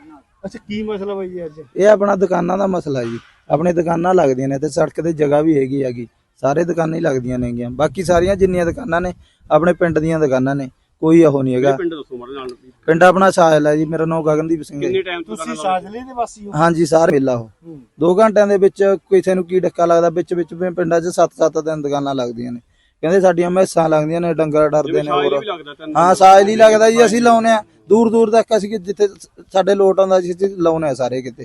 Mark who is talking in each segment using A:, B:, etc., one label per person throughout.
A: ਅੱਛਾ ਕੀ ਮਸਲਾ ਬਾਈ ਜੀ ਅੱਜ?
B: ਇਹ ਆਪਣਾ ਦੁਕਾਨਾਂ ਦਾ ਮਸਲਾ ਜੀ। ਆਪਣੇ ਦੁਕਾਨਾਂ ਲੱਗਦੀਆਂ ਨੇ ਤੇ ਸੜਕ ਤੇ ਜਗ੍ਹਾ ਵੀ ਹੈਗੀ ਸਾਰੇ ਦੁਕਾਨਾਂ ਹੀ ਲੱਗਦੀਆਂ ਨੇਗੀਆਂ। ਬਾਕੀ ਸਾਰੀਆਂ ਜਿੰਨੀਆਂ ਦੁਕਾਨਾਂ ਨੇ ਆਪਣੇ ਪਿੰਡ ਦੀਆਂ ਦੁਕਾਨਾਂ ਨੇ, ਕੋਈ ਉਹ ਨਹੀਂ ਹੈਗਾ। ਪਿੰਡ ਆਪਣਾ ਸਾਜਲ ਹੈ ਜੀ। ਮੇਰਾ ਨਾਮ ਗਗਨਦੀਪ ਸਿੰਘ ਹੈ।
A: ਤੁਸੀਂ ਸਾਜਲੇ ਦੇ ਵਾਸੀ ਹੋ?
B: ਹਾਂਜੀ ਸਾਰੇ ਮੇਲਾ ਉਹ 2 ਘੰਟਿਆਂ ਦੇ ਵਿੱਚ ਕਿਸੇ ਨੂੰ ਕੀ ਡੱਕਾ ਲੱਗਦਾ। ਵਿੱਚ ਪਿੰਡਾਂ 'ਚ 7-7 ਦਿਨ ਦੁਕਾਨਾਂ ਲੱਗਦੀਆਂ ਨੇ। ਕਹਿੰਦੇ ਸਾਡੀਆਂ ਮੈਸਾਂ ਲੱਗਦੀਆਂ ਨੇ, ਡੰਗਰ ਡਰਦੇ ਨੇ। ਹੋਰ ਹਾਂ ਸਾਜਲ ਹੀ ਲੱਗਦਾ ਜੀ। ਅਸੀਂ ਲਾਉਨੇ ਆ ਦੂਰ ਤੱਕ। ਅਸੀਂ ਜਿੱਥੇ ਸਾਡੇ ਲੋਟ ਆਉਂਦਾ ਅਸੀਂ ਲਾਉਨੇ ਆ ਸਾਰੇ ਕਿਤੇ।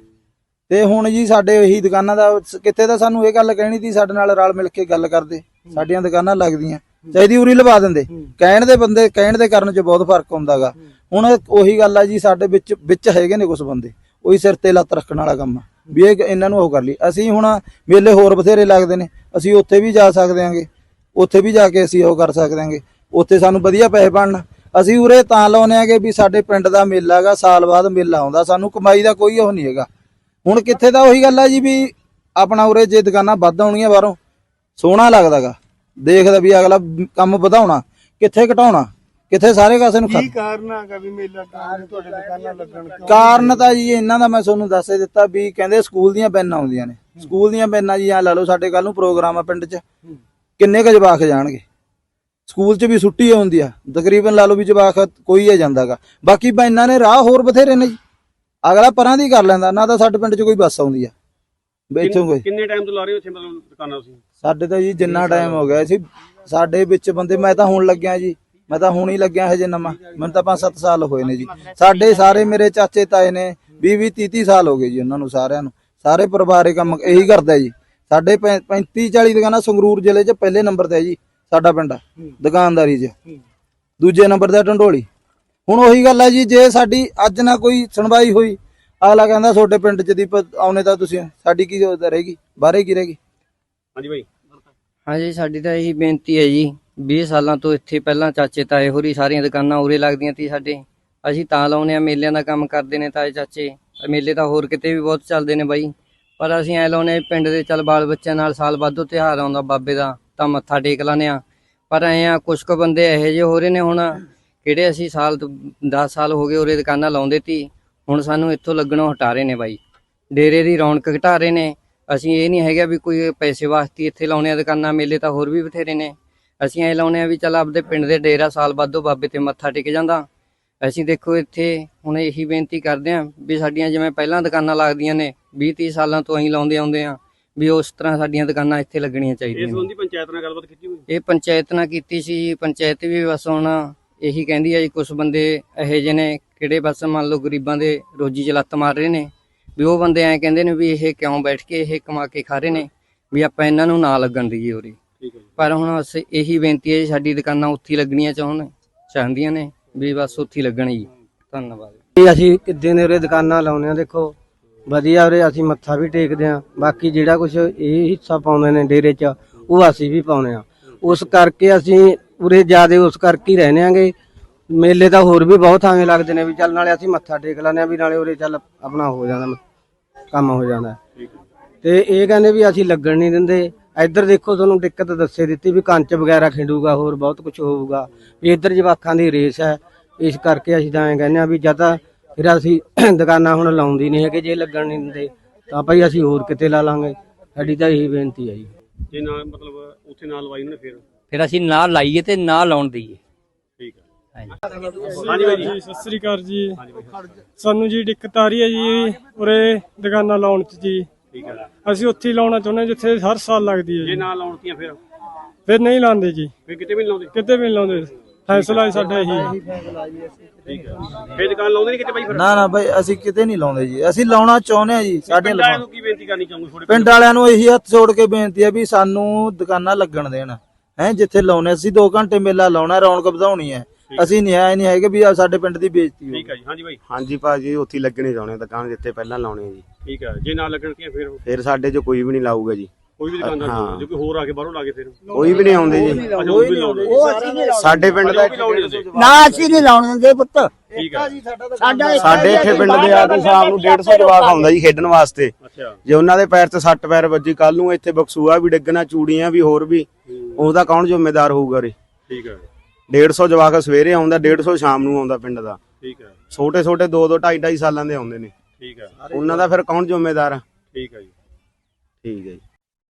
B: ਤੇ ਹੁਣ ਜੀ ਸਾਡੇ ਇਹੀ ਦੁਕਾਨਾਂ ਦਾ ਕਿੱਥੇ ਤਾਂ ਸਾਨੂੰ ਇਹ ਗੱਲ ਕਹਿਣੀ ਸੀ ਸਾਡੇ ਨਾਲ ਰਲ ਮਿਲ ਕੇ ਗੱਲ ਕਰਦੇ, ਸਾਡੀਆਂ ਦੁਕਾਨਾਂ ਲੱਗਦੀਆਂ ਚਾਹੀਦੀ ਉਰੀ ਲਵਾ ਦਿੰਦੇ। ਕਹਿਣ ਦੇ ਬੰਦੇ ਕਹਿਣ ਦੇ ਕਰਨ 'ਚ ਬਹੁਤ ਫਰਕ ਹੁੰਦਾਗਾ। ਹੁਣ ਉਹੀ ਗੱਲ ਆ ਜੀ, ਸਾਡੇ ਵਿੱਚ ਹੈਗੇ ਨੇ ਕੁਛ ਬੰਦੇ ਉਹੀ ਸਿਰ ਤੇ ਲੱਤ ਰੱਖਣ ਵਾਲਾ ਕੰਮ ਵੀ ਇਹ ਇਹਨਾਂ ਨੂੰ ਉਹ ਕਰ ਲਈ। ਅਸੀਂ ਹੁਣ ਮੇਲੇ ਹੋਰ ਬਥੇਰੇ ਲੱਗਦੇ ਨੇ, ਅਸੀਂ ਉੱਥੇ ਵੀ ਜਾ ਸਕਦੇ ਆਂਗੇ। ਉੱਥੇ ਵੀ ਜਾ ਕੇ ਅਸੀਂ ਉਹ ਕਰ ਸਕਦੇ ਆਂਗੇ। ਉੱਥੇ ਸਾਨੂੰ ਵਧੀਆ ਪੈਸੇ ਬਣਨ। ਅਸੀਂ ਉਰੇ ਤਾਂ ਲਾਉਨੇ ਆਂਗੇ ਵੀ ਸਾਡੇ ਪਿੰਡ ਦਾ ਮੇਲਾ ਹੈਗਾ, ਸਾਲ ਬਾਅਦ ਮੇਲਾ ਆਉਂਦਾ, ਸਾਨੂੰ ਕਮਾਈ ਦਾ ਕੋਈ ਉਹ ਨਹੀਂ ਹੈਗਾ। ਹੁਣ ਕਿੱਥੇ ਤਾਂ ਉਹੀ ਗੱਲ ਆ ਜੀ ਵੀ ਆਪਣਾ ਉਰੇ ਜੇ ਦੁਕਾਨਾਂ ਵੱਧ ਆਉਣੀਆਂ ਬਾਹਰੋਂ ਸੋਹਣਾ ਲੱਗਦਾਗਾ, ਦੇਖਦਾ ਵੀ ਅਗਲਾ ਕੰਮ ਵਧਾਉਣਾ, ਕਿੱਥੇ ਘਟਾਉਣਾ, ਕਿੱਥੇ ਸਾਰੇ ਕਾਸੇ ਨੂੰ
A: ਕੀ ਕਾਰਨ ਹੈਗਾ ਵੀ ਮੇਲਾ ਤੁਹਾਡੇ ਦੁਕਾਨਾਂ ਲੱਗਣ?
B: ਕਾਰਨ ਤਾਂ ਜੀ ਇਹਨਾਂ ਦਾ ਮੈਂ ਤੁਹਾਨੂੰ ਦੱਸ ਦਿੱਤਾ ਵੀ ਕਹਿੰਦੇ ਸਕੂਲ ਦੀਆਂ ਬੈਨਾਂ ਆਉਂਦੀਆਂ ਨੇ। ਸਕੂਲ ਦੀਆਂ ਬੈਨਾਂ ਜੀ ਆ ਲਾ ਲਓ, ਸਾਡੇ ਕੱਲ ਨੂੰ ਪ੍ਰੋਗਰਾਮ ਆ ਪਿੰਡ 'ਚ, ਕਿੰਨੇ ਕੁ ਜਵਾਕ ਜਾਣਗੇ? ਸਕੂਲ 'ਚ ਵੀ ਛੁੱਟੀ ਹੁੰਦੀ ਆ ਤਕਰੀਬਨ, ਲਾ ਲਓ ਵੀ ਜਵਾਕ ਕੋਈ ਆ ਜਾਂਦਾਗਾ। ਬਾਕੀ ਬੈਨਾਂ ਨੇ ਰਾਹ ਹੋਰ ਬਥੇਰੇ ਨੇ ਜੀ, ਅਗਲਾ ਪਰਾਂ ਦੀ ਕਰ ਲੈਂਦਾ। ਨਾ ਤਾਂ ਸਾਡੇ ਪਿੰਡ 'ਚ ਕੋਈ ਬੱਸ ਆਉਂਦੀ ਆ।
C: ਕਿੰਨੇ ਟਾਈਮ ਤੋਂ ਲਾ ਰਹੇ ਹੋ ਇੱਥੇ ਮਤਲਬ ਦੁਕਾਨਾਂ ਤੁਸੀਂ?
B: ਸਾਡੇ ਤਾਂ ਜੀ ਜਿੰਨਾ ਟਾਈਮ ਹੋ ਗਿਆ ਸੀ ਸਾਡੇ ਵਿੱਚ ਬੰਦੇ, ਮੈਂ ਤਾਂ ਹੁਣ ਲੱਗਿਆ ਜੀ, ਮੈਂ ਤਾਂ ਹੁਣ ਹੀ ਲੱਗਿਆ ਹਜੇ ਨਵਾਂ। ਮੈਨੂੰ ਤਾਂ 5-7 ਸਾਲ ਹੋਏ ਨੇ ਜੀ। ਸਾਡੇ ਸਾਰੇ ਮੇਰੇ ਚਾਚੇ ਤਾਏ ਨੇ 20-30 ਸਾਲ ਹੋ ਗਏ ਜੀ ਉਹਨਾਂ ਨੂੰ ਸਾਰਿਆਂ ਨੂੰ। ਸਾਰੇ ਪਰਿਵਾਰੇ ਕੰਮ ਇਹੀ ਕਰਦਾ ਜੀ। ਸਾਡੇ 35-40 ਦੁਕਾਨਾਂ ਸੰਗਰੂਰ ਜ਼ਿਲ੍ਹੇ 'ਚ ਪਹਿਲੇ ਨੰਬਰ ਤੇ ਜੀ ਸਾਡਾ ਪਿੰਡ ਦੁਕਾਨਦਾਰੀ 'ਚ, ਦੂਜੇ ਨੰਬਰ ਤੇ ਢੰਡੋਲੀ। ਹੁਣ ਉਹੀ ਗੱਲ ਹੈ ਜੀ, ਜੇ ਸਾਡੀ ਅੱਜ ਨਾ ਕੋਈ ਸੁਣਵਾਈ ਹੋਈ, ਅਗਲਾ ਕਹਿੰਦਾ ਤੁਹਾਡੇ ਪਿੰਡ 'ਚ ਦੀ ਆਉਣੇ ਤਾਂ ਤੁਸੀਂ, ਸਾਡੀ ਕੀ ਰਹੇਗੀ? ਬਾਹਰੇ ਕੀ ਰਹੇਗੀ?
C: ਹਾਂਜੀ ਬਾਈ।
D: ਹਾਂਜੀ ਸਾਡੀ ਤਾਂ ਇਹੀ ਬੇਨਤੀ ਹੈ ਜੀ, 20 ਸਾਲਾਂ ਤੋਂ ਇੱਥੇ ਪਹਿਲਾਂ ਚਾਚੇ ਤਾਏ ਹੋਰੀ ਸਾਰੀਆਂ ਦੁਕਾਨਾਂ ਉਰੇ ਲੱਗਦੀਆਂ ਤੀ ਸਾਡੇ। ਅਸੀਂ ਤਾਂ ਲਾਉਨੇ ਆ, ਮੇਲਿਆਂ ਦਾ ਕੰਮ ਕਰਦੇ ਨੇ ਤਾਏ ਚਾਚੇ। ਮੇਲੇ ਤਾਂ ਹੋਰ ਕਿਤੇ ਵੀ ਬਹੁਤ ਚੱਲਦੇ ਨੇ ਬਾਈ, ਪਰ ਅਸੀਂ ਐ ਲਾਉਨੇ ਪਿੰਡ ਦੇ ਚੱਲ ਬਾਲ ਬੱਚਿਆਂ ਨਾਲ। ਸਾਲ ਬਾਅਦੋਂ ਤਿਉਹਾਰ ਆਉਂਦਾ ਬਾਬੇ ਦਾ ਤਾਂ ਮੱਥਾ ਟੇਕ ਲਾਨੇ ਆ। ਪਰ ਐ ਆ ਕੁਛ ਕੁ ਬੰਦੇ ਇਹੋ ਜਿਹੇ ਹੋ ਰਹੇ ਨੇ ਹੁਣ, ਕਿਹੜੇ ਅਸੀਂ 10 ਸਾਲ ਹੋ ਗਏ ਉਰੇ ਦੁਕਾਨਾਂ ਲਾਉਂਦੇ ਤੀ, ਹੁਣ ਸਾਨੂੰ ਇੱਥੋਂ ਲੱਗਣੋਂ ਹਟਾ ਰਹੇ ਨੇ ਬਾਈ। ਡੇਰੇ ਦੀ ਰੌਣਕ ਘਟਾ ਰਹੇ ਨੇ। ਅਸੀਂ ਇਹ ਨਹੀਂ ਹੈਗਾ ਵੀ ਕੋਈ ਪੈਸੇ ਵਾਸਤੇ ਇੱਥੇ ਲਾਉਣੇ ਆ ਦੁਕਾਨਾਂ, ਮੇਲੇ ਤਾਂ ਹੋਰ ਵੀ ਬਥੇਰੇ ਨੇ। ਅਸੀਂ ਐ ਲਾਉਨੇ ਆ ਵੀ ਚੱਲ ਆਪਦੇ ਪਿੰਡ ਦੇ ਡੇਰਾ ਸਾਲ ਬਾਅਦੋਂ ਬਾਬੇ ਤੇ ਮੱਥਾ ਟੇਕ ਜਾਂਦਾ। ਅਸੀਂ ਦੇਖੋ ਇੱਥੇ ਹੁਣ ਇਹੀ ਬੇਨਤੀ ਕਰਦੇ ਹਾਂ ਵੀ ਸਾਡੀਆਂ ਜਿਵੇਂ ਪਹਿਲਾਂ ਦੁਕਾਨਾਂ ਲੱਗਦੀਆਂ ਨੇ 20-30 ਸਾਲਾਂ ਤੋਂ ਅਸੀਂ ਲਾਉਂਦੇ ਆਉਂਦੇ ਆ, ਵੀ ਉਸ ਤਰ੍ਹਾਂ ਸਾਡੀਆਂ ਦੁਕਾਨਾਂ ਇੱਥੇ ਲੱਗਣੀਆਂ ਚਾਹੀਦੀਆਂ।
C: ਇਸ ਸੰਬੰਧੀ ਪੰਚਾਇਤ ਨਾਲ ਗੱਲਬਾਤ ਕੀਤੀ ਹੋਈ?
D: ਇਹ ਪੰਚਾਇਤ ਨਾਲ ਕੀਤੀ ਸੀ। ਪੰਚਾਇਤ ਵੀ ਬਸ ਹੁਣ ਇਹੀ ਕਹਿੰਦੀ ਆ ਜੀ, ਕੁਛ ਬੰਦੇ ਇਹੋ ਜਿਹੇ ਨੇ ਕਿਹੜੇ ਬਸ ਮੰਨ ਲਓ ਗਰੀਬਾਂ ਦੇ ਰੋਜੀ 'ਚ ਲੱਤ ਮਾਰ ਰਹੇ ਨੇ, ਵੀ ਉਹ ਬੰਦੇ ਐਂ ਕਹਿੰਦੇ ਨੇ ਵੀ ਇਹ ਕਿਉਂ ਬੈਠ ਕੇ ਇਹ ਕਮਾ ਕੇ ਖਾ ਰਹੇ ਨੇ, ਵੀ ਆਪਾਂ ਇਹਨਾਂ ਨੂੰ ਨਾ ਲੱਗਣ ਦਈਏ ਉਰੇ। ਪਰ ਹੁਣ ਅਸੀਂ ਇਹੀ ਬੇਨਤੀ ਹੈ ਜੀ, ਸਾਡੀ ਦੁਕਾਨਾਂ ਉੱਥੇ ਹੀ ਲੱਗਣੀਆਂ ਚਾਹੁੰਦੀਆਂ ਨੇ, ਵੀ ਬਸ ਉੱਥੇ ਲੱਗਣ ਜੀ। ਧੰਨਵਾਦ।
E: ਅਸੀਂ ਕਿੱਦਾਂ ਦੇ ਉਰੇ ਦੁਕਾਨਾਂ ਲਾਉਂਦੇ ਆ, ਦੇਖੋ ਵਧੀਆ ਉਰੇ ਅਸੀਂ ਮੱਥਾ ਵੀ ਟੇਕਦੇ ਆ। ਬਾਕੀ ਜਿਹੜਾ ਕੁਛ ਇਹ ਹਿੱਸਾ ਪਾਉਂਦੇ ਨੇ ਡੇਰੇ 'ਚ ਉਹ ਅਸੀਂ ਵੀ ਪਾਉਂਦੇ ਆ। ਉਸ ਕਰਕੇ ਅਸੀਂ ਉਰੇ ਜ਼ਿਆਦੇ ਉਸ ਕਰਕੇ ਹੀ ਰਹਿੰਦੇ ਆਂਗੇ। ਮੇਲੇ ਤਾਂ ਹੋਰ ਵੀ ਬਹੁਤ ਥਾਵੇਂ ਲੱਗਦੇ ਨੇ, ਵੀ ਚੱਲ ਨਾਲੇ ਅਸੀਂ ਮੱਥਾ ਟੇਕ ਲੈਂਦੇ ਆ, ਵੀ ਨਾਲੇ ਉਰੇ ਚੱਲ ਆਪਣਾ ਹੋ ਜਾਂਦਾ ਕੰਮ ਹੋ ਜਾਂਦਾ। ਤੇ ਇਹ ਕਹਿੰਦੇ ਵੀ ਅਸੀਂ ਲੱਗਣ ਨਹੀਂ ਦਿੰਦੇ। ਇੱਧਰ ਦੇਖੋ ਤੁਹਾਨੂੰ ਦਿੱਕਤ ਦੱਸੇ ਦਿੱਤੀ ਵੀ ਕੰਚ ਵਗੈਰਾ ਖਿੰਡੂਗਾ, ਹੋਰ ਬਹੁਤ ਕੁਝ ਹੋਊਗਾ, ਵੀ ਇੱਧਰ ਜਵਾਕਾਂ ਦੀ ਰੇਸ ਹੈ। ਇਸ ਕਰਕੇ ਅਸੀਂ ਤਾਂ ਐਂ ਕਹਿੰਦੇ ਆ ਵੀ ਜਾਂ ਤਾਂ ਫਿਰ ਅਸੀਂ ਦੁਕਾਨਾਂ ਹੁਣ ਲਾਉਂਦੀ ਨਹੀਂ ਹੈਗੇ, ਜੇ ਲੱਗਣ ਨਹੀਂ ਦਿੰਦੇ ਤਾਂ ਭਾਈ ਅਸੀਂ ਹੋਰ ਕਿਤੇ ਲਾ ਲਾਂਗੇ। ਸਾਡੀ ਤਾਂ ਇਹੀ ਬੇਨਤੀ ਹੈ ਜੀ।
C: ਜੇ ਨਾ ਮਤਲਬ ਉੱਥੇ ਨਾ ਲਵਾਈ ਉਹਨੇ
F: ਫਿਰ ਅਸੀਂ ਨਾ ਲਾਈਏ ਤੇ ਨਾ ਲਾਉਣ ਦਈਏ।
C: ਠੀਕ ਹੈ।
A: ਹਾਂਜੀ ਬਾਈ ਜੀ ਸਤਿ ਸ੍ਰੀ ਅਕਾਲ ਜੀ। ਸਾਨੂੰ ਜੀ ਦਿੱਕਤ ਆ ਰਹੀ ਹੈ ਜੀ ਉਰੇ ਦੁਕਾਨਾਂ ਲਾਉਣ 'ਚ ਜੀ।
C: ਠੀਕ ਹੈ।
A: ਅਸੀਂ ਉੱਥੇ ਹੀ ਲਾਉਣਾ ਚਾਹੁੰਦੇ ਜਿੱਥੇ ਹਰ ਸਾਲ ਲੱਗਦੀ ਹੈ।
C: ਜੇ ਨਾ ਲਾਉਣਤੀਆਂ
A: ਫਿਰ ਨਹੀਂ ਲਾਉਂਦੇ ਜੀ,
C: ਫਿਰ ਕਿਤੇ ਵੀ ਨਹੀਂ ਲਾਉਂਦੇ?
A: ਕਿਤੇ ਵੀ ਨਹੀਂ ਲਾਉਂਦੇ। ਫੈਸਲਾ ਸਾਡਾ ਇਹੀ।
C: ਠੀਕ ਹੈ। ਫਿਰ ਦੁਕਾਨ ਲਾਉਂਦੇ ਨਹੀਂ ਕਿਤੇ ਬਾਈ? ਫਿਰ
B: ਨਾ ਬਾਈ ਅਸੀਂ ਕਿਤੇ ਨਹੀਂ ਲਾਉਂਦੇ ਜੀ, ਅਸੀਂ ਲਾਉਣਾ ਚਾਹੁੰਦੇ ਆ ਜੀ। ਸਾਡੇ
C: ਪਿੰਡ ਵਾਲਿਆਂ ਨੂੰ ਕੀ ਬੇਨਤੀ ਕਰਨੀ ਚਾਹੋਗੇ ਤੁਹਾਡੇ
B: ਪਿੰਡ ਵਾਲਿਆਂ ਨੂੰ ਇਹੀ ਹੱਥ ਜੋੜ ਕੇ ਬੇਨਤੀ ਹੈ ਵੀ ਸਾਨੂੰ ਦੁਕਾਨਾਂ ਲੱਗਣ ਦੇਣ ਹੈ। ਜਿੱਥੇ ਲਾਉਣੇ ਅਸੀਂ 2 ਘੰਟੇ ਮੇਲਾ ਲਾਉਣਾ, ਰੌਣਕ ਵਧਾਉਣੀ ਹੈ। ਅਸੀਂ ਨਹੀਂ ਹੈਗੇ ਵੀ ਸਾਡੇ ਪਿੰਡ ਦੀ ਬੇਇੱਜ਼ਤੀ ਹੋ।
C: ਠੀਕ ਹੈ ਜੀ। ਹਾਂਜੀ ਬਾਈ।
G: ਹਾਂਜੀ ਭਾਜੀ ਉੱਥੇ ਲੱਗਣੇ ਚਾਹੁੰਦੇ ਦੁਕਾਨ ਜਿੱਥੇ ਪਹਿਲਾਂ ਲਾਉਣੇ ਜੀ।
C: ਠੀਕ ਹੈ। ਜੇ ਨਾ ਲੱਗਣਗੀਆਂ ਫਿਰ
G: ਸਾਡੇ 'ਚ ਕੋਈ ਵੀ ਨਹੀਂ ਲਾਊਗਾ ਜੀ।
C: ਕੋਈ ਵੀ ਦੁਕਾਨਦਾਰ ਜੇ ਕੋਈ ਹੋਰ ਆ ਕੇ ਬਾਹਰੋਂ ਲਾ ਕੇ ਫਿਰ
G: ਕੋਈ ਵੀ ਨਹੀਂ ਆਉਂਦੇ ਜੀ। ਸਾਡੇ ਪਿੰਡ ਦਾ
H: ਨਾ ਅਸੀਂ ਨਹੀਂ ਲਾਉਣ ਦਿੰਦੇ ਪੁੱਤ।
C: ਠੀਕ ਹੈ।
G: ਸਾਡੇ ਇੱਥੇ ਪਿੰਡ ਦੇ ਆ ਕੇ ਸ਼ਾਮ ਨੂੰ 150 ਜਵਾਕ ਆਉਂਦਾ ਜੀ ਖੇਡਣ ਵਾਸਤੇ। ਜੇ ਉਹਨਾਂ ਦੇ ਪੈਰ 'ਚ ਸੱਟ ਪੈਰ ਵੱਜੀ, ਕੱਲ ਨੂੰ ਇੱਥੇ ਬਕਸੂਆ ਵੀ ਡਿੱਗਣਾ, ਚੂੜੀਆਂ ਵੀ, ਹੋਰ ਵੀ, ਉਹਦਾ ਕੌਣ ਜ਼ਿੰਮੇਦਾਰ ਹੋਊਗਾ ਰੇ?
C: ਠੀਕ ਹੈ।
G: 150 ਜਵਾਕ ਸਵੇਰੇ ਆਉਂਦਾ, 150 ਸ਼ਾਮ ਨੂੰ ਆਉਂਦਾ ਪਿੰਡ ਦਾ।
C: ਠੀਕ ਹੈ
G: ਛੋਟੇ ਛੋਟੇ 2-2 2.5 ਸਾਲਾਂ ਦੇ ਆਉਂਦੇ ਨੇ।
C: ਠੀਕ ਹੈ
G: ਉਹਨਾਂ ਦਾ ਫਿਰ ਕੌਣ ਜ਼ਿੰਮੇਦਾਰ ਆ?
C: ਠੀਕ ਹੈ ਜੀ।
G: ਠੀਕ ਹੈ ਜੀ।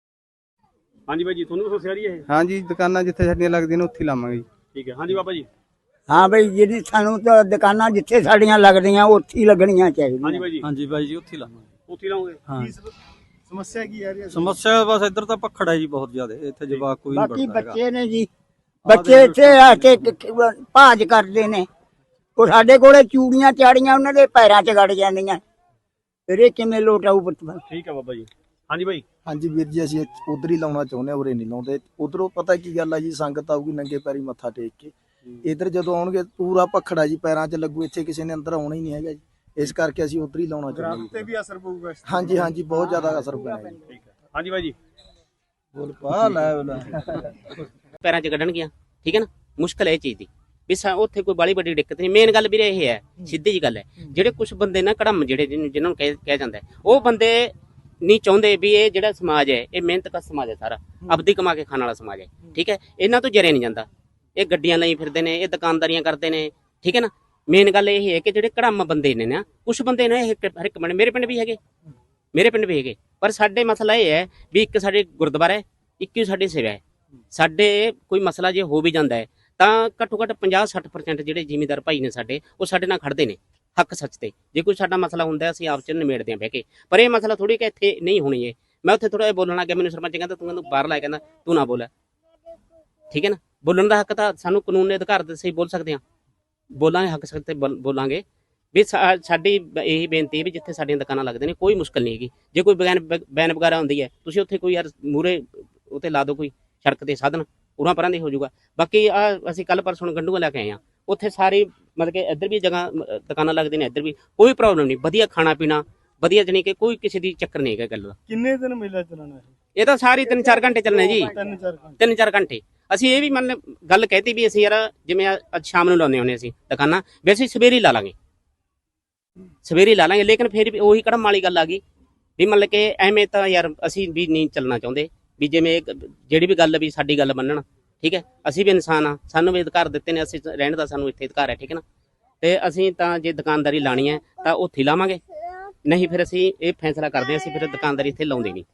C: ਹਾਂਜੀ ਬਾਈ ਜੀ, ਤੁਹਾਨੂੰ ਵੀ ਸਮੱਸਿਆ ਆ ਰਹੀ ਹੈ ਇਹ?
E: ਹਾਂਜੀ, ਦੁਕਾਨਾਂ ਜਿੱਥੇ ਸਾਡੀਆਂ ਲੱਗਦੀਆਂ ਨੇ ਉੱਥੇ ਲਾਵਾਂਗੇ ਜੀ।
C: ਠੀਕ ਹੈ। ਹਾਂਜੀ ਬਾਬਾ ਜੀ।
H: ਹਾਂ ਬਈ, ਜਿਹੜੀ ਸਾਨੂੰ ਤਾਂ ਦੁਕਾਨਾਂ ਜਿੱਥੇ ਸਾਡੀਆਂ ਲੱਗਦੀਆਂ ਉੱਥੇ ਹੀ ਲੱਗਣੀਆਂ
C: ਹਾਂਜੀ
H: ਚਾਹੀਦੀਆਂ।
C: ਬਾਈ ਜੀ,
I: ਹਾਂਜੀ ਬਾਈ ਜੀ, ਉੱਥੇ ਲਾਵਾਂਗੇ।
C: ਉੱਥੇ ਲਾਉਂਗੇ?
I: ਹਾਂ,
C: ਸਮੱਸਿਆ ਕੀ ਆ ਰਹੀ ਹੈ?
I: ਸਮੱਸਿਆ ਬਸ ਇੱਧਰ ਤਾਂ ਪਖੜ ਹੈ ਜੀ ਬਹੁਤ ਜ਼ਿਆਦਾ, ਇੱਥੇ ਜਵਾਕ ਕੋਈ ਨਹੀਂ
H: ਬਾਕੀ
I: ਪੜਦਾ ਹੈਗਾ।
H: ਬੱਚੇ ਨੇ ਜੀ, ਬੱਚੇ ਇੱਥੇ ਆ ਕੇ ਭਾਜ ਕਰਦੇ ਨੇ। ਉਹ ਸਾਡੇ ਕੋਲੇ ਚੂੜੀਆਂ ਚਾੜੀਆਂ ਉਹਨਾਂ ਦੇ ਪੈਰਾਂ 'ਚ ਗੜ ਜਾਂਦੀਆਂ। ਫਿਰ ਇਹ ਕਿਵੇਂ ਲੋਟ ਆਊ ਪੁੱਤ?
C: ਠੀਕ ਹੈ ਬਾਬਾ ਜੀ। ਹਾਂਜੀ ਬਾਈ।
B: ਹਾਂਜੀ ਵੀਰ ਜੀ, ਅਸੀਂ ਉਧਰ ਹੀ ਲਾਉਣਾ ਚਾਹੁੰਦੇ ਹਾਂ, ਉਰੇ ਨਹੀਂ ਲਾਉਂਦੇ। ਉਧਰੋਂ ਪਤਾ ਕੀ ਗੱਲ ਆ ਜੀ, ਸੰਗਤ ਆਊਗੀ ਨੰਗੇ ਪੈਰੀ ਮੱਥਾ ਟੇਕ ਕੇ। ਇਧਰ ਜਦੋਂ ਆਉਣਗੇ ਪੂਰਾ ਪਖੜਾ ਜੀ ਪੈਰਾਂ 'ਚ ਲੱਗੂ, ਇੱਥੇ ਕਿਸੇ ਨੇ ਅੰਦਰ ਆਉਣਾ ਹੀ ਨਹੀਂ ਹੈਗਾ ਜੀ। ਇਸ ਕਰਕੇ ਅਸੀਂ ਉਧਰ ਹੀ ਲਾਉਣਾ ਚਾਹੁੰਦੇ
C: ਤੇ ਵੀ ਅਸਰ ਪਊਗਾ?
B: ਹਾਂਜੀ ਹਾਂਜੀ, ਬਹੁਤ ਜ਼ਿਆਦਾ ਅਸਰ ਪੈਣਾ ਜੀ।
C: ਠੀਕ ਹੈ। ਹਾਂਜੀ ਬਾਈ ਜੀ।
B: ਬੋਲ ਪਾ ਲੈ
F: ਪੈਰਾਂ 'ਚ ਕੱਢਣਗੀਆਂ, ਠੀਕ ਹੈ ਨਾ। ਮੁਸ਼ਕਲ ਹੈ ਇਹ ਚੀਜ਼ ਦੀ ਵੀ ਉੱਥੇ ਕੋਈ ਬਾਲੀ ਵੱਡੀ ਦਿੱਕਤ ਨਹੀਂ। ਮੇਨ ਗੱਲ ਵੀਰੇ ਇਹ ਹੈ, ਸਿੱਧੀ ਜੀ ਗੱਲ ਹੈ, ਜਿਹੜੇ ਕੁਝ ਬੰਦੇ ਨਾ ਕੜਮ ਜਿਹੜੇ ਜਿਹਨਾਂ ਨੂੰ ਕਿਹਾ ਜਾਂਦਾ ਹੈ, ਉਹ ਬੰਦੇ ਨਹੀਂ ਚਾਹੁੰਦੇ ਵੀ ਇਹ ਜਿਹੜਾ ਸਮਾਜ ਹੈ ਇਹ ਮਿਹਨਤ ਦਾ ਸਮਾਜ ਹੈ, ਸਾਰਾ ਆਪਦੀ ਕਮਾ ਕੇ ਖਾਣ ਵਾਲਾ ਸਮਾਜ ਹੈ, ਠੀਕ ਹੈ। ਇਹਨਾਂ ਤੋਂ ਜਰਿਆ ਨਹੀਂ ਜਾਂਦਾ। ਇਹ ਗੱਡੀਆਂ ਲਈ ਫਿਰਦੇ ਨੇ, ਇਹ ਦੁਕਾਨਦਾਰੀਆਂ ਕਰਦੇ ਨੇ, ਠੀਕ ਹੈ ਨਾ। ਮੇਨ ਗੱਲ ਇਹ ਹੈ ਕਿ ਜਿਹੜੇ ਕੜਮ ਬੰਦੇ ਨੇ ਨਾ, ਕੁਝ ਬੰਦੇ ਨੇ ਹਰ ਇੱਕ ਪਿੰਡ, ਮੇਰੇ ਪਿੰਡ ਵੀ ਹੈਗੇ, ਪਰ ਸਾਡੇ ਮਸਲਾ ਇਹ ਹੈ ਵੀ ਇੱਕ ਸਾਡੇ ਗੁਰਦੁਆਰਾ ਹੈ, ਇੱਕ ਹੀ ਸਾਡੀ ਸੇਵਾ ਹੈ। ਸਾਡੇ ਕੋਈ ਮਸਲਾ ਜੇ ਹੋ ਵੀ ਜਾਂਦਾ ਹੈ ਤਾਂ ਘੱਟੋ ਘੱਟ 50-60% ਜਿਹੜੇ ਜ਼ਿਮੀਂਦਾਰ ਭਾਈ ਨੇ ਸਾਡੇ, ਉਹ ਸਾਡੇ ਨਾਲ ਖੜਦੇ ਨੇ ਹੱਕ ਸੱਚ ਤੇ। ਜੇ ਕੋਈ ਸਾਡਾ ਮਸਲਾ ਹੁੰਦਾ ਅਸੀਂ ਆਪ ਚ ਨਿਮੇੜਦੇ ਹਾਂ ਬਹਿ ਕੇ। ਪਰ ਇਹ ਮਸਲਾ ਥੋੜੀ ਕਿ ਇੱਥੇ ਨਹੀਂ ਹੋਣੀ ਹੈ। ਮੈਂ ਉੱਥੇ ਥੋੜਾ ਜਿਹਾ ਬੋਲਣ ਲੱਗ ਗਿਆ, ਮੈਨੂੰ ਸਰਪੰਚ ਕਹਿੰਦਾ ਤੂੰ ਬਾਹਰ ਲਾਇਆ, ਕਹਿੰਦਾ ਤੂੰ ਨਾ ਬੋਲ, ਠੀਕ ਹੈ ਨਾ। ਬੋਲਣ ਦਾ ਹੱਕ ਤਾਂ ਸਾਨੂੰ ਕਾਨੂੰਨ ਨੇ ਅਧਿਕਾਰ ਦਿੱਤੇ, ਬੋਲ ਸਕਦੇ ਹਾਂ, ਬੋਲਾਂਗੇ, ਹੱਕ ਸੱਚ ਤੇ ਬੋਲਾਂਗੇ। ਵੀ ਸਾਡੀ ਇਹੀ ਬੇਨਤੀ ਹੈ ਵੀ ਜਿੱਥੇ ਸਾਡੀਆਂ ਦੁਕਾਨਾਂ ਲੱਗਦੇ ਨੇ ਕੋਈ ਮੁਸ਼ਕਲ ਨਹੀਂ ਹੈਗੀ। ਜੇ ਕੋਈ ਬੈਨ ਵਗੈਰਾ ਹੁੰਦੀ ਹੈ, ਤੁਸੀਂ ਉੱਥੇ ਕੋਈ ਯਾਰ ਮੂਹਰੇ ਉੱਤੇ ਲਾ ਦਿਓ ਕੋਈ ਸੜਕ ਤੇ ਸਾਧਨ, ਉਰਾਂ ਪਰਾਂ ਦੀ ਹੋ ਜਾਊਗਾ। ਬਾਕੀ ਅਸੀਂ ਕੱਲ ਪਰਸੋਂ ਗੰਡੂਆਂ ਲੈ ਕੇ ਆਏ ਹਾਂ, ਉੱਥੇ ਸਾਰੀ ਮਤਲਬ ਕਿ ਇੱਧਰ ਵੀ ਜਗ੍ਹਾ ਦੁਕਾਨਾਂ ਲੱਗਦੀਆਂ ਨੇ, ਇੱਧਰ ਵੀ ਕੋਈ ਪ੍ਰੋਬਲਮ ਨਹੀਂ, ਵਧੀਆ ਖਾਣਾ ਪੀਣਾ ਵਧੀਆ, ਜਾਣੀ ਕਿ ਕੋਈ ਕਿਸੇ ਦੀ ਚੱਕਰ ਨਹੀਂ ਹੈਗਾ ਗੱਲ ਦਾ।
A: ਕਿੰਨੇ ਦਿਨ ਮੇਲਾ ਚੱਲਣਾ?
F: ਇਹ ਤਾਂ ਸਾਰੀ 3-4 ਘੰਟੇ ਚੱਲਣੇ ਜੀ, 3-4 ਘੰਟੇ। ਅਸੀਂ ਇਹ ਵੀ ਮੰਨ ਗੱਲ ਕਹਿਤੀ ਵੀ ਅਸੀਂ ਯਾਰ ਜਿਵੇਂ ਅੱਜ ਸ਼ਾਮ ਨੂੰ ਲਾਉਂਦੇ ਹੁੰਦੇ ਅਸੀਂ ਦੁਕਾਨਾਂ, ਵੈਸੇ ਸਵੇਰੇ ਲਾ ਲਾਂਗੇ, ਲੇਕਿਨ ਫਿਰ ਵੀ ਉਹੀ ਕੜਮ ਵਾਲੀ ਗੱਲ ਆ ਗਈ ਵੀ ਮਤਲਬ ਕਿ ਐਵੇਂ ਤਾਂ ਯਾਰ ਅਸੀਂ ਵੀ ਨਹੀਂ ਚੱਲਣਾ ਚਾਹੁੰਦੇ ਵੀ ਜਿਵੇਂ ਜਿਹੜੀ ਵੀ ਗੱਲ ਵੀ ਸਾਡੀ ਗੱਲ ਮੰਨਣ, ਠੀਕ ਹੈ। ਅਸੀਂ ਵੀ ਇਨਸਾਨ ਆ, ਸਾਨੂੰ ਵੀ ਅਧਿਕਾਰ ਦਿੱਤੇ ਨੇ, ਅਸੀਂ ਰਹਿਣ ਦਾ ਸਾਨੂੰ ਇੱਥੇ ਅਧਿਕਾਰ ਹੈ, ਠੀਕ ਹੈ ਨਾ। ਤੇ ਅਸੀਂ ਤਾਂ ਜੇ ਦੁਕਾਨਦਾਰੀ ਲਾਣੀ ਹੈ ਤਾਂ ਉੱਥੇ ਲਾਵਾਂਗੇ, ਨਹੀਂ ਫਿਰ ਅਸੀਂ ਇਹ ਫੈਸਲਾ ਕਰਦੇ ਹਾਂ ਅਸੀਂ ਫਿਰ ਦੁਕਾਨਦਾਰੀ ਇੱਥੇ ਲਾਉਂਦੇ ਨਹੀਂ।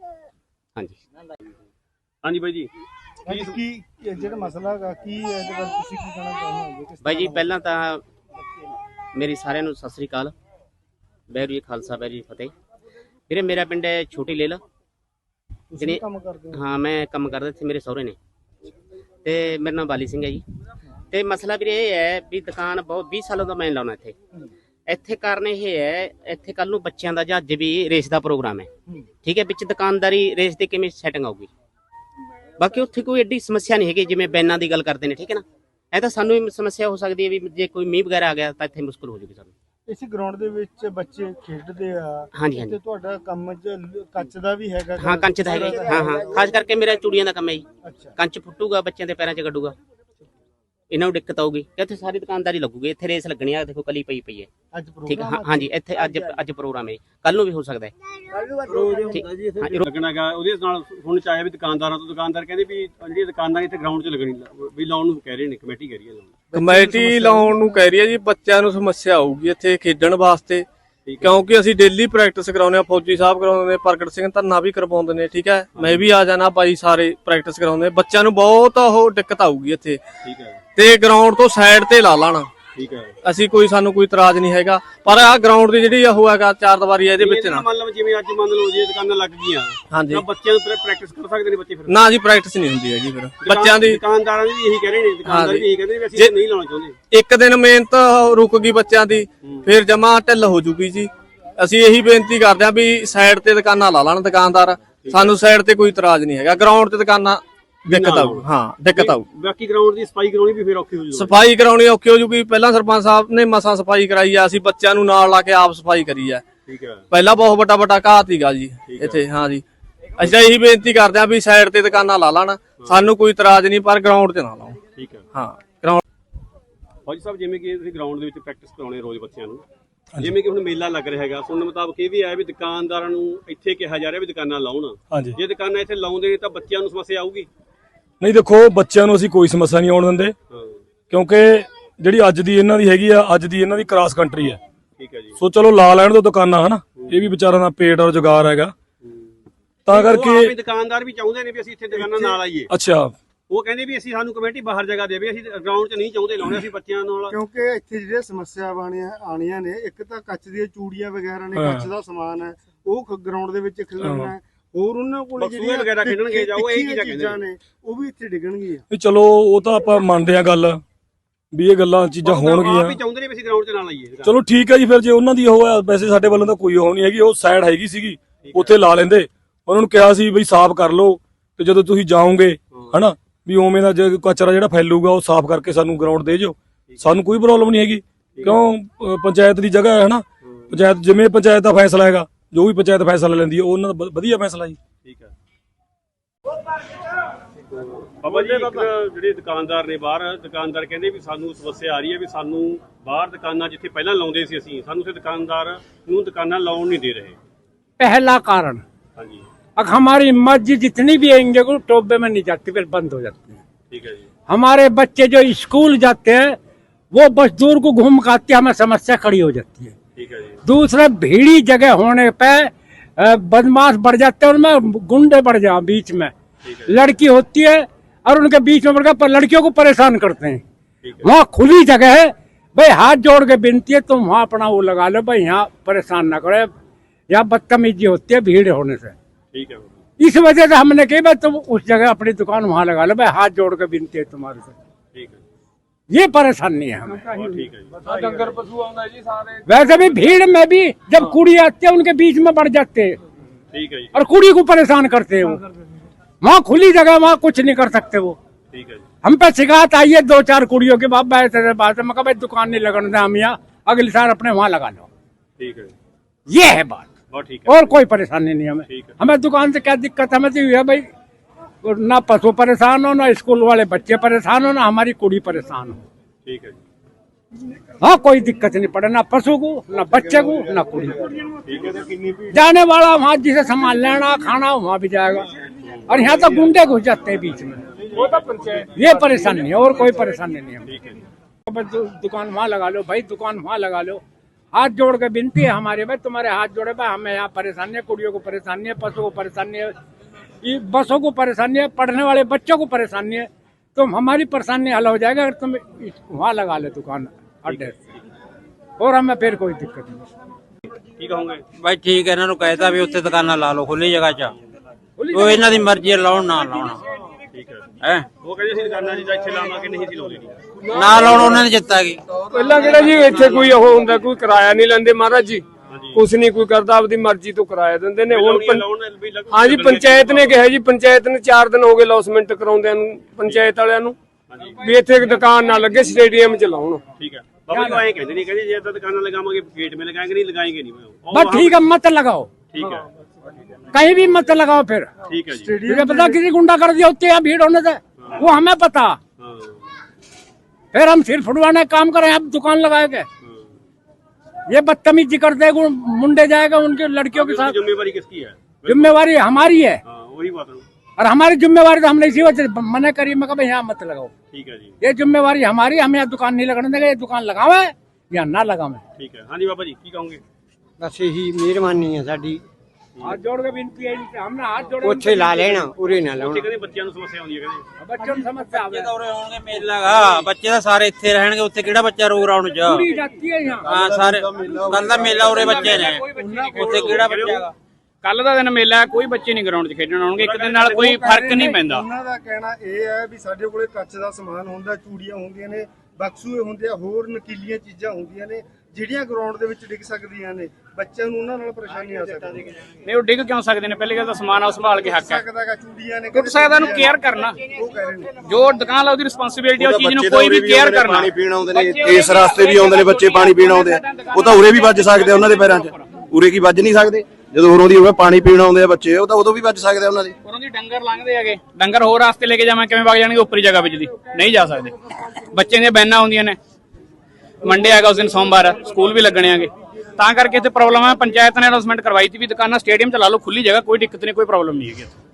C: ਹਾਂਜੀ ਬਾਈ ਜੀ।
A: ਕੀ ਜਿਹੜਾ ਮਸਲਾ ਹੈਗਾ ਕੀ ਇਹਦੇ ਬਾਰੇ ਤੁਸੀਂ ਕੀ ਕਹਿਣਾ ਚਾਹੁੰਦੇ ਹੋ?
F: ਬਾਈ ਜੀ ਪਹਿਲਾਂ ਤਾਂ ਮੇਰੀ ਸਾਰਿਆਂ ਨੂੰ ਸਤਿ ਸ੍ਰੀ ਅਕਾਲ, ਵਾਹਿਗੁਰੂ ਜੀ ਖਾਲਸਾ ਵਾਹਿਗੁਰੂ ਜੀ ਫਤਿਹ। ਵੀਰੇ ਮੇਰਾ ਪਿੰਡ ਹੈ ਛੋਟੀ ਲੇਲ,
A: ਤੁਸੀਂ ਕੰਮ ਕਰਦੇ ਹੋ?
F: ਹਾਂ ਮੈਂ ਕੰਮ ਕਰਦਾ ਇੱਥੇ, ਮੇਰੇ ਸਹੁਰੇ ਨੇ, ਤੇ ਮੇਰਾ ਨਾਮ ਬਾਲੀ ਸਿੰਘ ਹੈ ਜੀ। ਤੇ ਮਸਲਾ ਵੀਰੇ ਇਹ ਹੈ ਵੀ ਦੁਕਾਨ ਬਹੁਤ 20 ਸਾਲਾਂ ਤੋਂ ਮੈਂ ਲਾਉਣਾ ਇੱਥੇ ਕਾਰਨ ਇਹ ਹੈ, ਇੱਥੇ ਕੱਲ ਨੂੰ ਬੱਚਿਆਂ ਦਾ ਜਾਂ ਅੱਜ ਵੀ ਰੇਸ ਦਾ ਪ੍ਰੋਗਰਾਮ ਹੈ, ਠੀਕ ਹੈ। ਵਿੱਚ ਦੁਕਾਨਦਾਰੀ ਰੇਸ ਦੇ ਕਿਵੇਂ ਸੈਟਿੰਗ ਆਊਗੀ? ਬਾਕੀ ਉੱਥੇ ਕੋਈ ਐਡੀ ਸਮੱਸਿਆ ਨਹੀਂ ਹੈਗੀ ਜਿਵੇਂ ਬੈਨਾਂ ਦੀ ਗੱਲ ਕਰਦੇ ਨੇ, ਠੀਕ ਹੈ ਨਾ। ਇਹ ਤਾਂ ਸਾਨੂੰ ਵੀ ਸਮੱਸਿਆ ਹੋ ਸਕਦੀ ਹੈ ਵੀ ਜੇ ਕੋਈ ਮੀਂਹ ਵਗੈਰਾ ਆ ਗਿਆ ਤਾਂ ਇੱਥੇ ਮੁਸ਼ਕਲ ਹੋ ਜਾਊਗੀ ਸਾਨੂੰ।
A: ਇਸ ਗਰਾਊਂਡ ਦੇ ਵਿੱਚ ਬੱਚੇ ਖੇਡਦੇ ਆ,
F: ਹਾਂਜੀ
A: ਤੇ ਤੁਹਾਡਾ ਕੰਮ ਕੱਚ ਦਾ ਵੀ ਹੈਗਾ?
F: ਹਾਂ ਕੰਚ ਦਾ ਹੈਗਾ, ਹਾਂ ਖਾਸ ਕਰਕੇ ਮੇਰਾ ਚੂੜੀਆਂ ਦਾ ਕੰਮ ਹੈ ਜੀ।
A: ਅੱਛਾ,
F: ਕੰਚ ਫੁੱਟੂਗਾ, ਬੱਚਿਆਂ ਦੇ ਪੈਰਾਂ 'ਚ ਗੱਡੂਗਾ, ਇਹਨਾਂ ਨੂੰ ਦਿੱਕਤ ਆਊਗੀ ਕਿ ਇੱਥੇ ਸਾਰੀ ਦੁਕਾਨਦਾਰੀ ਲੱਗੂਗੀ। ਇੱਥੇ ਰੇਸ ਲੱਗਣੀ ਆ, ਦੇਖੋ ਕਲੀ ਪਈ ਹੈ,
A: ਅੱਜ
F: ਠੀਕ ਹੈ। ਹਾਂਜੀ ਇੱਥੇ ਅੱਜ ਪ੍ਰੋਗਰਾਮ ਹੈ, ਕੱਲ ਨੂੰ ਵੀ ਹੋ ਸਕਦਾ ਹੈ।
C: ਲੱਗਣਾਗਾ ਉਹਦੇ ਨਾਲ ਹੁਣ ਚਾਹੇ ਵੀ ਦੁਕਾਨਦਾਰਾਂ ਤੋਂ, ਦੁਕਾਨਦਾਰ ਕਹਿੰਦੇ ਵੀ ਜਿਹੜੀ ਦੁਕਾਨਦਾਰ ਇੱਥੇ ਗਰਾਊਂਡ 'ਚ ਲੱਗਣੀ ਵੀ ਲਾਉਣ ਨੂੰ ਕਹਿ ਰਹੇ ਨੇ, ਕਮੇਟੀ ਕਹਿ ਰਹੀ ਹੈ ਲਾਉਣ।
A: ਕਮੇਟੀ ਲਾਉਣ ਨੂੰ ਕਹਿ ਰਹੀ ਹੈ ਜੀ। ਬੱਚਿਆਂ ਨੂੰ ਸਮੱਸਿਆ ਆਊਗੀ ਇੱਥੇ ਖੇਡਣ ਵਾਸਤੇ, ਕਿਉਂਕਿ ਅਸੀਂ ਡੇਲੀ ਪ੍ਰੈਕਟਿਸ ਕਰਾਉਂਦੇ ਆ। ਫੌਜੀ ਸਾਹਿਬ ਕਰਾਉਂਦੇ ਨੇ, ਪ੍ਰਗਟ ਸਿੰਘ ਧੰਨਾ ਵੀ ਕਰਵਾਉਂਦੇ ਨੇ, ਠੀਕ ਹੈ। ਮੈਂ ਵੀ ਆ ਜਾਣਾ, ਭਾਈ ਸਾਰੇ ਪ੍ਰੈਕਟਿਸ ਕਰਾਉਂਦੇ। ਬੱਚਿਆਂ ਨੂੰ ਬਹੁਤ ਉਹ ਦਿੱਕਤ ਆਊਗੀ ਇੱਥੇ,
C: ਠੀਕ ਹੈ।
A: ਤੇ ਗਰਾਊਂਡ ਤੋਂ ਸਾਈਡ ਤੇ ਲਾ ਲਾਣਾ,
C: ਠੀਕ ਹੈ।
A: ਸਾਨੂੰ ਕੋਈ ਇਤਰਾਜ਼ ਨਹੀਂ ਹੈਗਾ, ਪਰ ਆਹ ਗਰਾਊਂਡ ਦੀ ਜਿਹੜੀ ਉਹ ਹੈਗਾ 4 ਦੀਵਾਰੀ ਹੈ, ਇਹਦੇ ਵਿੱਚ ਨਾ
C: ਮੰਨ ਲਓ ਜਿਵੇਂ ਅੱਜ ਮੰਨ ਲਓ ਜੇ ਦੁਕਾਨਾਂ ਲੱਗ ਗਈਆਂ,
A: ਹਾਂਜੀ
C: ਤਾਂ ਬੱਚਿਆਂ ਨੂੰ ਪ੍ਰੈਕਟਿਸ ਕਰ ਸਕਦੇ ਨੇ ਬੱਚੇ ਫਿਰ?
A: ਨਾ ਜੀ, ਪ੍ਰੈਕਟਿਸ ਨਹੀਂ ਹੁੰਦੀ ਹੈਗੀ ਫਿਰ ਬੱਚਿਆਂ ਦੀ।
C: ਦੁਕਾਨਦਾਰਾਂ ਵੀ ਇਹੀ ਕਹਿ ਰਹੇ ਨੇ, ਦੁਕਾਨਦਾਰ ਵੀ ਇਹੀ ਕਹਿੰਦੇ ਨੇ ਵੀ ਅਸੀਂ ਨਹੀਂ ਲਾਉਣਾ ਚਾਹੁੰਦੇ।
A: ਇੱਕ ਦਿਨ ਮਿਹਨਤ ਰੁਕ ਗਈ ਬੱਚਿਆਂ ਦੀ, ਫਿਰ ਜਮਾ ਢਿੱਲ ਹੋ ਜੂਗੀ ਜੀ। ਅਸੀਂ ਇਹੀ ਬੇਨਤੀ ਕਰਦੇ ਹਾਂ ਵੀ ਸਾਈਡ ਤੇ ਦੁਕਾਨਾਂ ਲਾ ਲੈਣ ਦੁਕਾਨਦਾਰ, ਸਾਨੂੰ ਸਾਈਡ ਤੇ ਕੋਈ ਇਤਰਾਜ਼ ਨਹੀਂ ਹੈਗਾ। ਗਰਾਊਂਡ ਤੇ ਦੁਕਾਨਾਂ ਦਿੱਕਤ ਆਊ, ਹਾਂ ਦਿੱਕਤ ਆਊ।
C: ਬਾਕੀ ਗਰਾਊਂਡ ਦੀ ਸਫਾਈ ਕਰਾਉਣੀ ਵੀ ਫਿਰ ਔਖੀ ਹੋ ਜੂਗੀ।
A: ਸਫਾਈ ਕਰਾਉਣੀ ਔਖੀ ਹੋ ਜੂਗੀ। ਪਹਿਲਾਂ ਸਰਪੰਚ ਸਾਹਿਬ ਨੇ ਮਸਾਂ ਸਫਾਈ ਕਰਾਈ ਆ, ਅਸੀਂ ਬੱਚਿਆਂ ਨੂੰ ਨਾਲ ਲਾ ਕੇ ਆਪ ਸਫਾਈ ਕਰੀ ਆ।
C: ਠੀਕ ਹੈ।
A: ਪਹਿਲਾਂ ਬਹੁਤ ਵੱਡਾ ਘਾਹ ਸੀਗਾ ਜੀ ਇੱਥੇ। ਹਾਂ ਜੀ, ਅਸੀਂ ਇਹੀ ਬੇਨਤੀ ਕਰਦੇ ਹਾਂ ਵੀ ਸਾਈਡ ਤੇ ਦੁਕਾਨਾਂ ਲਾ ਲੈਣ, ਸਾਨੂੰ ਕੋਈ ਇਤਰਾਜ਼ ਨਹੀਂ, ਪਰ ਗਰਾਊਂਡ ਤੇ ਨਾ ਲਾਓ।
C: ਠੀਕ ਹੈ।
A: ਹਾਂ ਗਰਾਊਂਡ।
C: ਫੌਜੀ ਸਾਹਿਬ ਜਿਵੇਂ ਕਿ ਤੁਸੀਂ ਗਰਾਊਂਡ ਦੇ ਵਿੱਚ ਪ੍ਰੈਕਟਿਸ ਕਰਾਉਣੇ ਰੋਜ਼ ਬੱਚਿਆਂ ਨੂੰ, ਜਿਵੇਂ ਕਿ ਹੁਣ ਮੇਲਾ ਲੱਗ ਰਿਹਾ ਹੈਗਾ, ਸੁਣਨ ਮੁਤਾਬਕ ਇਹ ਵੀ ਹੈ ਵੀ ਦੁਕਾਨਦਾਰਾਂ ਨੂੰ ਇੱਥੇ ਕਿਹਾ ਜਾ ਰਿਹਾ ਵੀ ਦੁਕਾਨਾਂ ਲਾਉਣ।
J: ਹਾਂਜੀ,
C: ਜੇ ਦੁਕਾਨਾਂ ਇੱਥੇ ਲਾਉਂਦੇ ਨੇ ਤਾਂ ਬੱਚਿਆਂ ਨੂੰ ਸਮੱਸਿਆ ਆਊਗੀ?
J: ਨਹੀਂ ਦੇਖੋ, ਬੱਚਿਆਂ ਨੂੰ ਅਸੀਂ ਕੋਈ ਸਮੱਸਿਆ ਨਹੀਂ ਆਉਣ ਦਿੰਦੇ, ਕਿਉਂਕਿ ਜਿਹੜੀ ਅੱਜ ਦੀ ਇਹਨਾਂ ਦੀ ਹੈਗੀ ਆ, ਅੱਜ ਦੀ ਇਹਨਾਂ ਦੀ ਕ੍ਰਾਸ ਕੰਟਰੀ ਹੈ।
C: ਠੀਕ ਹੈ ਜੀ।
J: ਸੋ ਚਲੋ ਲਾ ਲੈਣ ਦੋ ਦੁਕਾਨਾਂ, ਹਨਾ, ਇਹ ਵੀ ਵਿਚਾਰਾਂ ਦਾ ਪੇਟ ਔਰ ਜੁਗਾਰ ਹੈਗਾ, ਤਾਂ ਕਰਕੇ
C: ਦੁਕਾਨਦਾਰ ਵੀ ਚਾਹੁੰਦੇ ਨੇ ਵੀ ਅਸੀਂ ਇੱਥੇ ਦੁਕਾਨਾਂ ਨਾਲ ਆਈਏ।
J: ਅੱਛਾ,
C: ਉਹ ਕਹਿੰਦੇ ਵੀ ਅਸੀਂ ਸਾਨੂੰ ਕਮੇਟੀ ਬਾਹਰ ਜਗ੍ਹਾ ਦੇਵੇ, ਅਸੀਂ ਗਰਾਊਂਡ 'ਚ ਨਹੀਂ ਚਾਹੁੰਦੇ ਲਾਉਣੇ, ਅਸੀਂ ਬੱਚਿਆਂ ਨਾਲ।
K: ਕਿਉਂਕਿ ਇੱਥੇ ਜਿਹੜੀਆਂ ਸਮੱਸਿਆ ਆਣੀਆਂ ਨੇ, ਇੱਕ ਤਾਂ ਕੱਚ ਦੀਆਂ ਚੂੜੀਆਂ ਵਗੈਰਾ ਨੇ, ਕੱਚ ਦਾ ਸਮਾਨ ਹੈ, ਉਹ ਗਰਾਊਂਡ ਦੇ ਵਿੱਚ ਖਿਲਰਨਾ ਹੈ। ਹੋਰ ਉਹਨਾਂ ਕੋਲ
C: ਜਿਹੜੀਆਂ ਵਗੈਰਾ ਖੇਡਣਗੇ ਜਾਂ ਉਹ ਇਹ
K: ਚੀਜ਼ਾਂ ਨੇ, ਉਹ ਵੀ ਇੱਥੇ ਡਿੱਗਣਗੀਆਂ।
J: ਵੀ ਚਲੋ ਉਹ ਤਾਂ ਆਪਾਂ ਮੰਨਦੇ ਆ ਗੱਲ ਵੀ ਇਹ ਗੱਲਾਂ ਚੀਜ਼ਾਂ ਹੋਣਗੀਆਂ।
C: ਆਪ ਹੀ ਚਾਹੁੰਦੇ ਨੇ ਵੀ ਅਸੀਂ ਗਰਾਊਂਡ 'ਚ ਨਾਲ ਆਈਏ।
J: ਚਲੋ ਠੀਕ ਹੈ ਜੀ, ਫਿਰ ਜੇ ਉਹਨਾਂ ਦੀ ਉਹ ਆ, ਵੈਸੇ ਸਾਡੇ ਵੱਲੋਂ ਤਾਂ ਕੋਈ ਉਹ ਨਹੀਂ ਹੈਗੀ, ਉਹ ਸਾਈਡ ਹੈਗੀ ਸੀਗੀ, ਉੱਥੇ ਲਾ ਲੈਂਦੇ। ਉਹਨਾਂ ਨੂੰ ਕਿਹਾ ਸੀ ਬਈ ਸਾਫ਼ ਕਰ ਲਓ, ਤੇ ਜਦੋਂ ਤੁਸੀਂ ਜਾਓਗੇ ਹਨਾ ਵੀ ਉਵੇਂ ਦਾ ਜੇ ਕਚਰਾ ਜਿਹੜਾ ਫੈਲੂਗਾ ਉਹ ਸਾਫ਼ ਕਰਕੇ ਸਾਨੂੰ ਗਰਾਊਂਡ ਦੇ ਜਿਓ, ਸਾਨੂੰ ਕੋਈ ਪ੍ਰੋਬਲਮ ਨਹੀਂ ਹੈਗੀ। ਕਿਉਂ ਪੰਚਾਇਤ ਦੀ ਜਗ੍ਹਾ ਹੈ ਹਨਾ, ਪੰਚਾਇਤ ਜਿਵੇਂ ਪੰਚਾਇਤ ਦਾ ਫੈਸਲਾ ਹੈਗਾ, ਜੋ ਵੀ ਪੰਚਾਇਤ ਫੈਸਲਾ ਲੈਂਦੀ ਹੈ ਉਹ ਉਹਨਾਂ ਦਾ ਵਧੀਆ ਫੈਸਲਾ ਜੀ।
C: ਠੀਕ ਹੈ ਬਾਬਾ ਜੀ, ਇੱਕ ਜਿਹੜੇ ਦੁਕਾਨਦਾਰ ਨੇ ਬਾਹਰ, ਦੁਕਾਨਦਾਰ ਕਹਿੰਦੇ ਵੀ ਸਾਨੂੰ ਸਮੱਸਿਆ ਆ ਰਹੀ ਹੈ ਵੀ ਸਾਨੂੰ ਬਾਹਰ ਦੁਕਾਨਾਂ ਜਿੱਥੇ ਪਹਿਲਾਂ ਲਾਉਂਦੇ ਸੀ ਅਸੀਂ, ਸਾਨੂੰ ਉੱਥੇ ਦੁਕਾਨਦਾਰ ਨੂੰ ਦੁਕਾਨਾਂ ਲਾਉਣ नहीं दे रहे।
L: पहला कारण,
C: हाँ जी,
L: अब हमारी मस्जिद जितनी भी आएंगे वो टोबे में नहीं जाती, फिर बंद हो जाती है।
C: ठीक है जी।
L: हमारे बच्चे जो स्कूल जाते हैं वो बस दूर को घूम के आते हैं, हमें समस्या खड़ी हो जाती है।
C: ठीक है जी।
L: दूसरे भीड़ी जगह होने पे बदमाश बढ़ जाते हैं, उनमें गुंडे बढ़ जाए बीच में, लड़की होती है और उनके बीच में बढ़कर पर लड़कियों को परेशान करते हैं। वहाँ खुली जगह है भाई, हाथ जोड़ के विनती है तुम वहाँ अपना वो लगा लो भाई, यहाँ परेशान ना करे, यहाँ बदतमीजी होती है भीड़ होने से।
C: ठीक है।
L: इस वजह से हमने कही भाई तुम उस जगह अपनी दुकान वहाँ लगा लो भाई, हाथ जोड़ के विनती है तुम्हारे से।
C: ठीक है,
L: ये परेशानी है हमें।
C: ठीक है जी।
A: ਡੰਗਰ ਪਸ਼ੂ ਆਉਂਦਾ ਜੀ ਸਾਰੇ।
L: वैसे भी भीड़ में भी जब कुड़ी आती है उनके बीच में बढ़ जाते हैं
C: ठीक है जी।
L: और कुड़ी को परेशान करते हैं। वो वहाँ खुली जगह, वहाँ कुछ नहीं कर सकते वो।
C: ठीक है जी।
L: हम पे शिकायत आई है 2-4 कुड़ियों के बाप ऐसे बात है, मैं कहा भाई दुकान नहीं लगाने दें, हम यहाँ अगले साल अपने वहाँ लगा लो।
C: ठीक है,
L: ये है बात,
C: बहुत ठीक है।
L: और कोई परेशानी नहीं हमें।
C: ठीक है।
L: हमें दुकान से क्या दिक्कत, हमें तो ये है भाई ना पशु परेशान हो, ना स्कूल वाले बच्चे परेशान हो, ना हमारी कुड़ी परेशान हो।
C: ठीक है जी।
L: हाँ, कोई दिक्कत नहीं पड़े, ना पशु को, ना बच्चे को, ना कुड़ी को।
C: ठीक है।
L: जाने वाला वहाँ जिसे सामान लेना खाना वहाँ भी जाएगा, और यहाँ तो गुंडे घुस जाते हैं बीच में।
C: वो तो पंचायत,
L: ये परेशानी है, और कोई परेशानी नहीं है।
C: ठीक है जी।
L: दुकान वहाँ लगा लो भाई, दुकान वहाँ लगा लो। हाथ जोड़ के विनती है हमारे भाई, तुम्हारे हाथ जोड़े भाई, हमें यहाँ परेशानी है, कुड़ियों को परेशानी है, पशु को परेशानी है, ये बसों को परेशानी है, पढ़ने वाले बच्चों को परेशानी है। तुम हमारी परेशानी हल हो जाएगा अगर तुम वहाँ लगा ले दुकान अड्डे, और हमें फिर कोई दिक्कत नहीं।
C: की कहोगे
E: भाई ठीक है, इन्होंने कहता भी उत्ते दुकाना ला लो खुली जगह च, वो इन्हों की मर्जी लाउण ना लाउण।
C: ठीक है।
E: है
C: वो कहते ਸੀ ਦੁਕਾਨਾਂ ਜੀ ਇੱਥੇ ਲਾਵਾਂਗੇ, ਨਹੀਂ ਸੀ ਲਾਉਂਦੇ ਨਹੀਂ।
E: ना लाउण उन्होंने जिता गई।
A: ਪਹਿਲਾਂ ਕਿਹੜਾ ਜੀ ਇੱਥੇ ਕੋਈ ਉਹ ਹੁੰਦਾ, ਕੋਈ ਕਿਰਾਇਆ ਨਹੀਂ ਲੈਂਦੇ ਮਹਾਰਾਜ ਜੀ, ਕੁਛ ਨਹੀਂ ਕੋਈ ਕਰਦਾ, ਆਪਦੀ ਮਰਜ਼ੀ ਤੋਂ ਕਿਰਾਇਆ ਦਿੰਦੇ ਨੇ। ਹੁਣ ਹਾਂ ਜੀ, ਪੰਚਾਇਤ ਨੇ ਕਿਹਾ ਜੀ, ਪੰਚਾਇਤ ਨੇ 4 ਦਿਨ ਹੋ ਗਏ ਲੌਸਮੈਂਟ ਕਰਾਉਂਦਿਆਂ ਨੂੰ, ਪੰਚਾਇਤ ਵਾਲਿਆਂ ਨੂੰ, ਵੀ ਇੱਥੇ ਇੱਕ ਦੁਕਾਨ ਨਾ ਲੱਗੇ, ਸਟੇਡੀਅਮ 'ਚ ਲਾਉਣ।
C: ਠੀਕ ਹੈ ਬਾਬਾ ਜੀ, ਐਂ ਕਹਿੰਦੇ ਨਹੀਂ, ਕਹਿੰਦੇ ਜੇ ਤਾਂ ਦੁਕਾਨਾਂ ਲਗਾਵਾਂਗੇ ਗੇਟ में लगाएंगे, नहीं लगाएंगे नहीं।
L: बस ठीक है, मत लगाओ,
C: ठीक है,
L: कहीं भी मत लगाओ फिर।
C: ठीक है जी।
L: तुझे पता किसी गुंडा कर दिया होते हैं भीड़ होने से, वो हमें पता।
C: हाँ।
L: फिर हम सिर फुटवाने का काम करें, अब दुकान लगाएंगे। ये बदतमीजी करते हैं, मुंडे जाएगा उनके लड़कियों के साथ।
C: जिम्मेवारी किसकी है?
L: जिम्मेवारी हमारी है,
C: हाँ, वही बात है।
L: और हमारी जिम्मेवारी तो हमने इसी वजह से मना करी, मैं कहा यहाँ मत लगाओ।
C: ठीक है जी।
L: ये जिम्मेवारी हमारी, हम यहाँ दुकान नहीं लगाने देंगे, ये दुकान लगावे या ना लगावे।
C: ठीक है। हाँ जी बाबा जी, की कहोगे?
E: बस यही मेहरबानी है साडी,
L: हाथ जोड़ के विनती है इनसे, हमने हाथ जोड़े
E: ਉੱਥੇ ਲਾ ਲੈਣਾ, ਉਰੇ ਨਾ ਲਾਉਣਾ।
C: ਕਹਿੰਦੇ ਬੱਚਿਆਂ ਨੂੰ ਸਮੱਸਿਆ ਆਉਂਦੀ ਹੈ, ਕਹਿੰਦੇ
L: बच्चों को समस्या आवे।
E: ਉਰੇ ਆਉਣਗੇ ਮੇਲਾ ਗਾ, ਬੱਚੇ ਤਾਂ ਸਾਰੇ ਇੱਥੇ ਰਹਿਣਗੇ, ਉੱਥੇ ਕਿਹੜਾ ਬੱਚਾ ਰੋ ਰਾਉਣ ਚ।
L: पूरी जाती है यहाँ।
E: ਹਾਂ ਸਾਰੇ ਕੱਲ ਦਾ ਮੇਲਾ ਉਰੇ ਬੱਚੇ ਨੇ, ਉੱਥੇ ਕਿਹੜਾ ਬੱਚਾ ਗਾ।
M: ਕੱਲ ਦਾ ਦਿਨ ਮੇਲਾ, ਕੋਈ ਬੱਚੇ ਨਹੀਂ ਗਰਾਊਂਡ 'ਚ ਖੇਡਣ ਆਉਣਗੇ, ਇੱਕ ਦਿਨ ਨਾਲ ਕੋਈ ਫਰਕ ਨਹੀਂ ਪੈਂਦਾ।
K: ਉਹਨਾਂ ਦਾ ਕਹਿਣਾ ਇਹ ਹੈ ਵੀ ਸਾਡੇ ਕੋਲੇ ਕੱਚ ਦਾ ਸਮਾਨ ਹੁੰਦਾ, ਚੂੜੀਆਂ ਹੁੰਦੀਆਂ ਨੇ, ਬਕਸੂਏ ਹੁੰਦੇ ਆ, ਹੋਰ ਨਕੀਲੀਆਂ ਚੀਜ਼ਾਂ ਹੁੰਦੀਆਂ ਨੇ ਜਿਹੜੀਆਂ ਗਰਾਊਂਡ ਦੇ ਵਿੱਚ ਡਿੱਗ ਸਕਦੀਆਂ ਨੇ, ਬੱਚਿਆਂ ਨੂੰ ਉਹਨਾਂ ਨਾਲ ਪਰੇਸ਼ਾਨੀ ਆ ਸਕਦੀ ਹੈ।
M: ਨਹੀਂ, ਉਹ ਡਿੱਗ ਕਿਉਂ ਸਕਦੇ ਨੇ? ਪਹਿਲੀ ਗੱਲ ਤਾਂ ਸਮਾਨ ਆ ਸੰਭਾਲ ਕੇ ਹੱਕ ਹੈ।
K: ਸਕਦਾਗਾ ਚੂੜੀਆਂ ਨੇ,
M: ਟੁੱਟ ਸਕਦਾ, ਉਹਨੂੰ ਕੇਅਰ ਕਰਨਾ।
K: ਉਹ ਕਹਿ ਰਹੇ ਨੇ
M: ਜੋ ਦੁਕਾਨ ਲਾ ਉਹਦੀ ਰਿਸਪੌਂਸਿਬਿਲਟੀ, ਉਹ ਚੀਜ਼ ਨੂੰ ਕੋਈ ਵੀ ਕੇਅਰ ਕਰਨਾ।
G: ਪਾਣੀ ਪੀਣ ਆਉਂਦੇ ਨੇ, ਇਸ ਰਸਤੇ ਵੀ ਆਉਂਦੇ ਨੇ ਬੱਚੇ ਪਾਣੀ ਪੀਣ ਆਉਂਦੇ ਆ, ਉਹ ਤਾਂ ਉਰੇ ਵੀ ਵੱਜ ਸਕਦੇ ਆ ਉਹਨਾਂ ਦੇ ਪੈਰਾਂ 'ਚ, ਉਰੇ ਕੀ ਵੱਜ ਨਹੀਂ ਸਕਦੇ? ਜਦੋਂ ਹੋਰੋਂ ਦੀ ਹੋਵੇ ਪਾਣੀ ਪੀਣ ਆਉਂਦੇ ਆ ਬੱਚੇ, ਉਹ ਤਾਂ ਉਦੋਂ ਵੀ ਵੱਜ ਸਕਦੇ ਆ ਉਹਨਾਂ ਦੇ।
M: ਉਹਨਾਂ ਦੀ ਡੰਗਰ ਲੰਘਦੇ ਹੈਗੇ, ਡੰਗਰ ਹੋਰ ਰਾਸਤੇ ਲੈ ਕੇ ਜਾਵਾਂ, ਕਿਵੇਂ ਵਗ ਜਾਣਗੇ? ਉੱਪਰੀ ਜਗ੍ਹਾ ਵਿੱਚ ਦੀ ਨਹੀਂ ਜਾ ਸਕਦੇ। ਬੱਚੇ ਦੀਆਂ ਬੈਨਾਂ ਹੁੰਦੀਆਂ ਨੇ, ਮੰਡੇ ਹੈਗਾ ਉਸ ਦਿਨ ਸੋਮਵਾਰ, ਸਕੂਲ ਵੀ ਲੱਗਣੇ ਹੈਗੇ, ਤਾਂ ਕਰਕੇ ਇੱਥੇ ਪ੍ਰੋਬਲਮ ਹੈ। ਪੰਚਾਇਤ ਨੇ ਅਨਾਉਂਸਮੈਂਟ ਕਰਵਾਈ ਸੀ ਵੀ ਦੁਕਾਨਾਂ ਸਟੇਡੀਅਮ 'ਚ ਲਾ ਲਓ, ਖੁੱਲੀ ਜਗ੍ਹਾ, ਕੋਈ ਦਿੱਕਤ ਨਹੀਂ, ਕੋਈ ਪ੍ਰੋਬਲਮ ਨਹੀਂ ਹੈਗੀ।